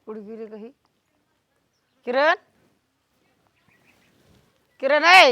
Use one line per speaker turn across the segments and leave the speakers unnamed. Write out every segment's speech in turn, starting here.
कुठे गेली काही किरण किरण आहे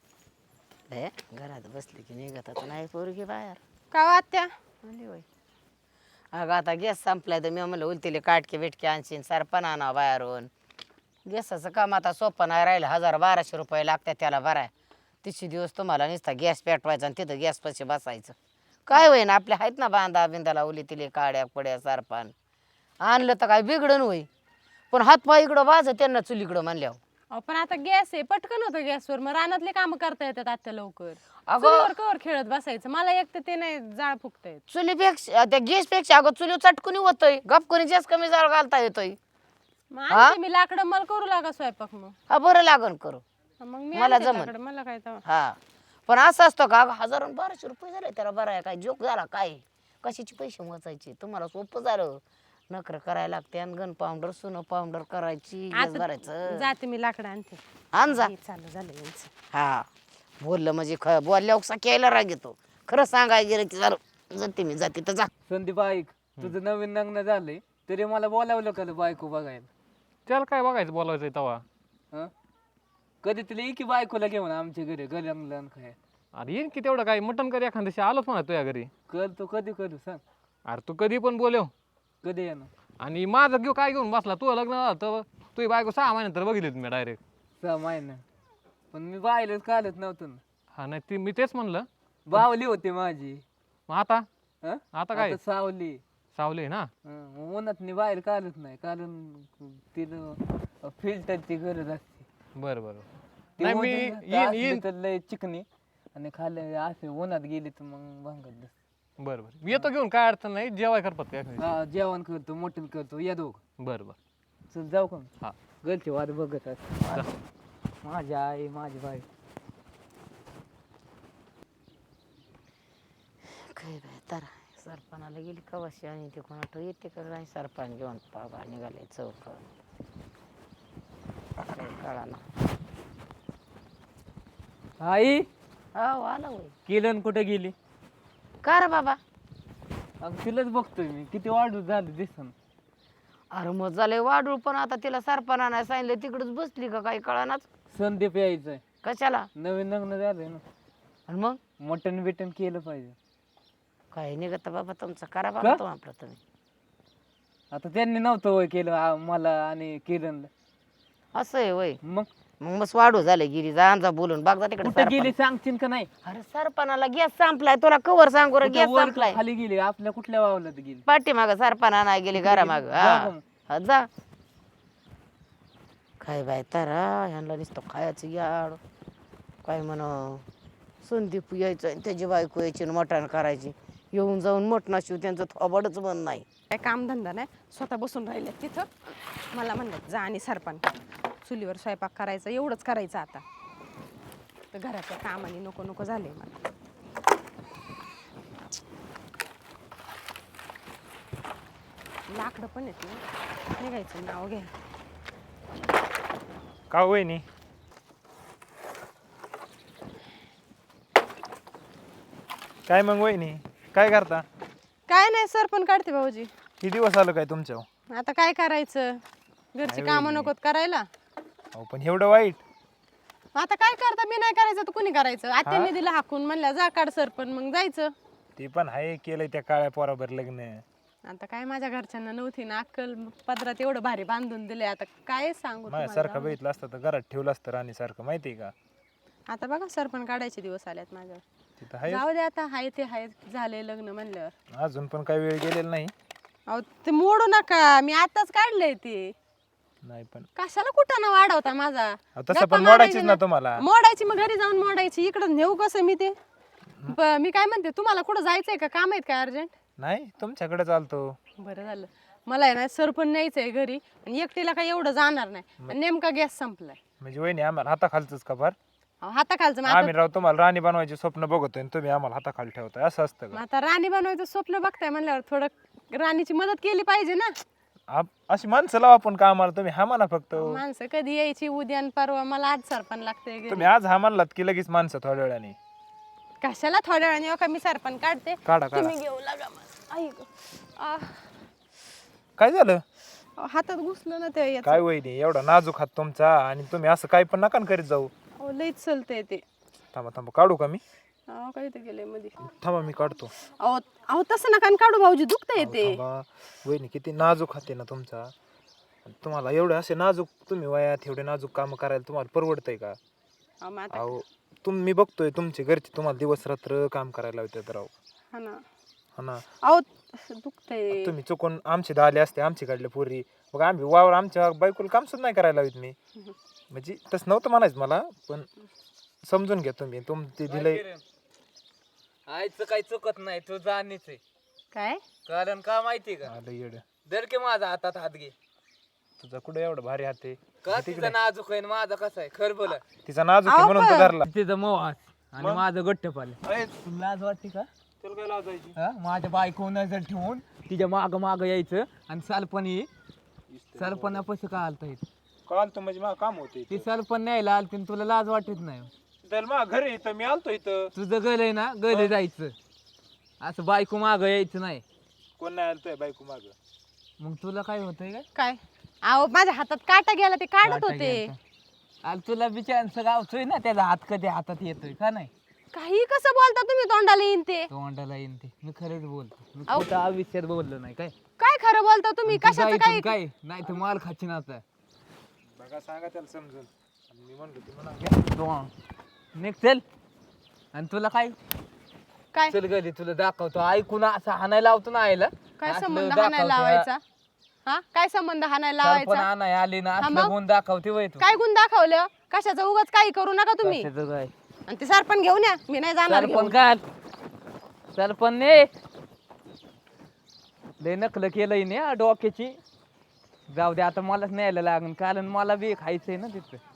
घरात बसली की निघत आता नाही पोरगी बाहेर
का वात्या
आली होय. अगं आता गॅस संपलाय तर मी म्हणलं उलतीले काटके बिटके आणशीन सरपण आणा बाहेरून गॅसाचं काम आता सोपं नाही राहिलं 1000-1200 रुपये लागतात त्याला भराय 30 दिवस तुम्हाला नुसता गॅस पेटवायचा आणि तिथं गॅस पाशी बसायचं काय होईन आपल्या आहेत ना बांधा बिंदाला उलीतिले काड्या पड्या सरपण आणलं तर काय बिघडण होई पण हातपाय इकडं वाज त्यांना चुलीकडं म्हणल्यावर
पण आता गॅस आहे पटकन होतं गॅसवर मग रानातले काम करता येतात आता लवकर
अगं
चुलीवर कवर खेळत बसायचं मला एक तर ते नाही जाळ फुकता येत
चुलीपेक्षा त्या गॅसपेक्षा अगं चुली चटकुनी होतोय गपकुनी जास्त कमी जाळ घालता येतोय
मग आणते मी लाकडं मला करू लागा स्वयंपाक मग
हा बरं लागन करू
मग मी
मला
आणते
जमन.
लाकडं, मला काय तेव्हा.
हा पण असं असतं का 1000-1200 रुपये झाले त्याला बरं आहे काय जोक झाला काय कशाचे पैसे मोजायचे तुम्हाला सोपं झालं नकर करायला लागते आणि गन पावडर सुनो पावडर करायची गॅस
आता
भरायचं
जाते मी लाकडं आणते
आण जा
हे चालू झालं यांचं.
हा बोललं म्हणजे बोलल्यावर उकसा केला राग येतो खरं सांगाय गेलं की जर जाते मी जाते तर जा
संदीप ऐक तुझं नवीन लग्न झालंय तरी मला बोलावलं का बायको बघायला
त्याला काय बघायचं बोलायचं तवा
हं? कधी तुला की बायकोला घेऊन आमच्या घरी गरमलं काय
अरे येईन की तेवढं काय मटण कर एखाद दिवशी आलोच म्हणा तुझ्या घरी
करतो कधी करू सांग
अरे तू कधी पण बोलव
कधी येणार
आणि माझं घेऊ काय घेऊन बसला तू लग्न झालं तर तुझी बायको 6 महिन्यानंतर बघितली तुम्ही डायरेक्ट
6 महिने पण मी बायलाच काढत नव्हतं ना
हा नाही ती मी तेच म्हणलं
बावली होती माझी
मग आता
हं?
आता काय
सावली
सावली ना
हं, उन्हात मी बाहेर काढत नाही कारण तिला फिल्टरची गरज असते
बरं बरं
ती
नाही मी
वजन
येईन
असली
येईन
तर लय चिकनी आणि खाली असे उन्हात गेली तर मग भांगत बस
बरं बरं येतो घेऊन काय अडचण नाही जेवाय करतात काय
हा जेवण करतो मटण करतो या दोघ
बरं बरं
चल जाऊ का
हा
घरची वाट बघत असते माझी आई माझी बाई
काय बाय तर सरपणाला गेली कवाशी आणि ते कोणा येते का नाही सरपण घेऊन पावा निघाले चौक कळा ना
आई
हो आला होय
किलन कुठे गेली
का रे बाबा
अग तिलाच बघतोय मी किती वाढू झालं दिसन
अरे मग झाले वाढू पण आता तिला सरपणा नाही सांगितलं तिकडच बसली का काही कळानाच
संदीप यायचंय
कशाला
नवीन लग्न झालंय ना
आणि मग
मटण बिटन केलं पाहिजे
काय निघत बाबा तुमचं करा बाबा तो आपलं तुम्ही
आता त्यांनी नव्हतं वय केलं मला आणि किरणला
असं आहे वय
मग
मग मस्त वाढू झाले गिरी जा जा बोलून बघ जा तिकडे
कुठे गेली सांगशील का नाही
अरे सरपणाला गॅस संपलाय तुला कवर सांगू रे
कुठं
गॅस
वर
संपलाय
खाली गेली आपल्या कुठल्या वावलात गेली
पाठीमाग सरपणा नाही गेली घरामाग
जा मग.
हा जा काय बाय तारा ह्यांना नुसतं खायचं याड काय म्हण संदीप यायचं आणि त्याची बायको यायची आणि मटण करायची येऊन जाऊन मटणाशिव त्यांचं थोबडच बंद नाही
काय कामधंदा नाही स्वतः बसून राहिले तिथं मला म्हणलं जा आणि सरपण चुलीवर स्वयंपाक करायचा एवढंच करायचं आता तर घराच्या कामाने नको नको झाले मला लाकडं पण येते निघायचं नाव घ्या
का वहिनी काय मग वहिनी काय करता
काय नाही सरपण काढते भाऊजी
किती दिवस आलो काय तुमच्या
आता काय करायचं घरची कामं नकोत करायला
अहो पण एवढं वाईट
आता काय करता मी नाही करायचं तर कुणी करायचं आत्याने दिलं हाकून म्हणलं जा काढ सरपण मग जायचं
ते पण आहे केलंय त्या काळ्या पोराबर लग्न
आता काय माझ्या घरच्यांना नव्हती ना अक्कल पदरात एवढं भारी बांधून दिले आता काय सांगू तुम्हाला
माझ्यासारखं
जाऊ दे.
बघितलं असतं तर घरात ठेवलं असतं राणीसारखं माहितीये का
आता बघा सरपण काढायचे दिवस आल्यात माझ्यावर
तिथं आहे
जाऊ दे आता हाय ते हाय झाले लग्न म्हणल्यावर
अजून पण काही वेळ गेलेला नाही
अहो ते मोडू नका मी आताच काढलंय ते
नाही पण
कशाला कुठं ना वाढवता माझा
अहो, तसं
गप्पा
पण
मारायची
मोडायचीच ना तुम्हाला
मोडायची मग घरी जाऊन मोडायची इकडं नेऊ कसं मी ते मी काय म्हणते तुम्हाला कुठं जायचंय का काम आहेत का अर्जंट
नाही तुमच्याकडे चालतो
बरं झालं मला आहे ना सरपण न्यायचंय घरी आणि एकटीला काही एवढं जाणार नाही आणि नेमका गॅस संपलाय
म्हणजे वहिनी आम्हाला हाताखालच का फार
अहो, हाताखालचं मग आता-
आम्ही राव तुम्हाला राणी बनवायचे स्वप्न बघतोय आणि तुम्ही आम्हाला हाताखाली ठेवताय असं असतं
मग
का
आता राणी बनवायचं स्वप्न बघताय म्हणल्यावर थोडं राणीची मदत केली पाहिजे ना
अशी माणसं लावा पण का आम्हाला तुम्ही हा म्हणा फक्त
माणसं कधी यायची उद्या आणि परवा मला आज सरपण लागतंय घरी.
तुम्ही आज हा म्हणलात की लगेच माणसं थोड्या वेळाने
कशाला थोड्या वेळाने येऊ का मी सरपण काढते
काढा काढा
तुम्ही घेऊ लागा मला. आई गं. आह.
काय झालं
अहो, हातात घुसलं ना ते याचं.
काय वहिनी एवढा नाजूक हात तुमचा आणि तुम्ही असं काही पण नका ना करीत जाऊ.
अहो लईच चलतंय ते.
थांबा थांबा काढू का मी?
अहो काय ते गेले मध्ये.
थांबा मी काढतो.
अहो अहो तसं नका न काढू भाऊजी, दुखतंय
अहो,
ते.
थांबा वहिनी किती नाजूक हात आहे ना तुमचा. आणि तुम्हाला एवढे असे नाजूक तुम्ही वयात एवढे नाजूक काम करायला तुम्हाला परवडतंय का?
अहो, मग आता
अहो मी बघतोय तुमचे घरचे तुम्हाला दिवस रात्र काम करायला लावतात राव.
हा ना.
हा ना.
अहो दुखतंय.
तुम्ही चुकून आमचे आले असते आमची काढले पोरी मग आम्ही वावर आमच्या बायकोला काम सुद्धा नाही करायला लावित मी. म्हणजे तसं नव्हतं म्हणायचं मला, पण समजून घ्या तुम्ही ते दिलंय.
आईचं काही चुकत नाही, तू जाणीच आहे.
काय
कारण का माहिती का?
आलं येड.
दर के माझा हातात हात घे.
तुझा कुठे एवढं भारी हात आहे?
का तिचा नाजूक आहे माझा कसा आहे खर बोला.
तिचा नाजूक आहे म्हणून तो धरला.
तिचं मोहास आणि माझं गट्ट पाले. तुला लाज वाटते का?
तुला काय लाजायची?
हा? माझ्या बायको नजर ठेवून तिच्या माग माग यायचं आणि सरपणी सरपणा पैसे का आलता येत
काल तर म्हणजे मला काम होते
ती सरपण न्यायला आलती आणि तुला लाज वाटत नाही.
तर मग घरी इथं मी आलतो इथं.
तुझं गल आहे ना, गले जायचं असं बायको माग यायचं नाही.
कोण नाही आलतोय बायको माग?
मग तुला काय होतंय काय?
काय अहो माझ्या हातात काटा गेला ते काढत होते.
आणि तुला बिचारांचं गावतोय ना, त्याचा हात कधी हातात येतोय का नाही?
काही कसं बोलता तुम्ही, तोंडाला येईन ते.
तोंडाला येईन ते. मी खरंच बोलतो, मी
अहो.
खोटं आयुष्यात बोललो नाही काय.
काय खरं बोलता तुम्ही,
तू
कशाचं
जायचं
काय?
काय नाही तर माल खाची ना आता.
बघा सांगा त्याला समजून. आणि मी म्हणलो ती म्हणा
निघ चल. आणि तुला काय
काय
चल गली तुला दाखवतो. ऐकून असं हाणायला लावतो ना आईला.
काय
असलं
संबंध
दाखवतो.
हाणायला लावायचा? हा काय संबंध हाणायला
सरपण
लावायचा?
आणाय आली ना,
हा
असलं
मग?
गुण दाखवते वय तू.
काय गुण दाखवलं? कशाचं उगाच काही करू नका तुम्ही.
कशाचं काय?
आणि ते सरपण घेऊन या, मी नाही जाणार
सरपण
घेऊन.
काय सरपण ने लय नकल केलंय ना डोक्याची. जाऊ दे आता मलाच न्यायला लागेल, कारण मला बी खायचंय ना तिथं.